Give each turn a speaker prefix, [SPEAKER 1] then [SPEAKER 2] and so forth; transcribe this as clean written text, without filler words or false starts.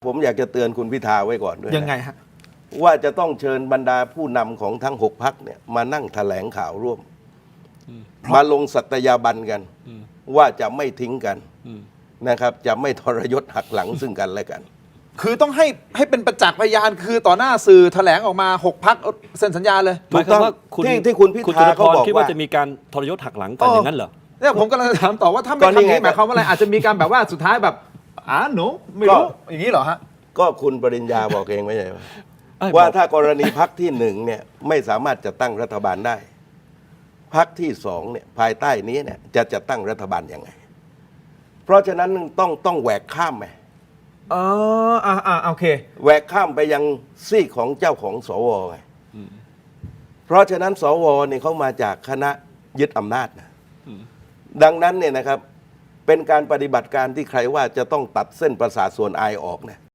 [SPEAKER 1] ผมอยากจะเตือนคุณพิธาไว้ก่อนด้วย
[SPEAKER 2] ยังไงฮะ
[SPEAKER 1] ว่าจะต้องเชิญบรรดาผู้นำของทั้ง6 พรรคเนี่ยมานั่งแถลงข่าวร่วมมาลงสัตยาบันกันว่าจะไม่ทิ้งกันนะครับ จะไม่ทรยศหักหลังซึ่งกันและกัน
[SPEAKER 2] คือต้องให้เป็นประจักษ์พยานคือต่อหน้าสื่อแถลงออกมา6 พรรคเซ็นสัญญาเลย
[SPEAKER 3] หมายความว่า
[SPEAKER 1] ที่คุณพิธาเขาบอก
[SPEAKER 3] คิดว่าจะมีการทรยศหักหลังกันอย่างนั้นเหรอ
[SPEAKER 2] เนี่ยผมกำลังจะถามต่อว่าถ้าไม่ทำนี้หมายความว่าอะไรอาจจะมีการแบบว่าสุดท้ายแบบหนูไม่รู้อย่างนี้เหรอฮะ
[SPEAKER 1] ก็คุณปริญญาบอกเองไม่ใช่ว่าถ้ากรณีพรรคที่1เนี่ยไม่สามารถจะตั้งรัฐบาลได้พรรคที่2เนี่ยภายใต้นี้เนี่ยจะตั้งรัฐบาลยังไงเพราะฉะนั้นต้องแหวกข้ามไป
[SPEAKER 2] โอเค
[SPEAKER 1] แหวกข้ามไปยังซีกของเจ้าของสวไงเพราะฉะนั้นสวเนี่ยเขามาจากคณะยึดอำนาจนะดังนั้นเนี่ยนะครับเป็นการปฏิบัติการที่ใครว่าจะต้องตัดเส้นประสาทส่วนอายออกนะ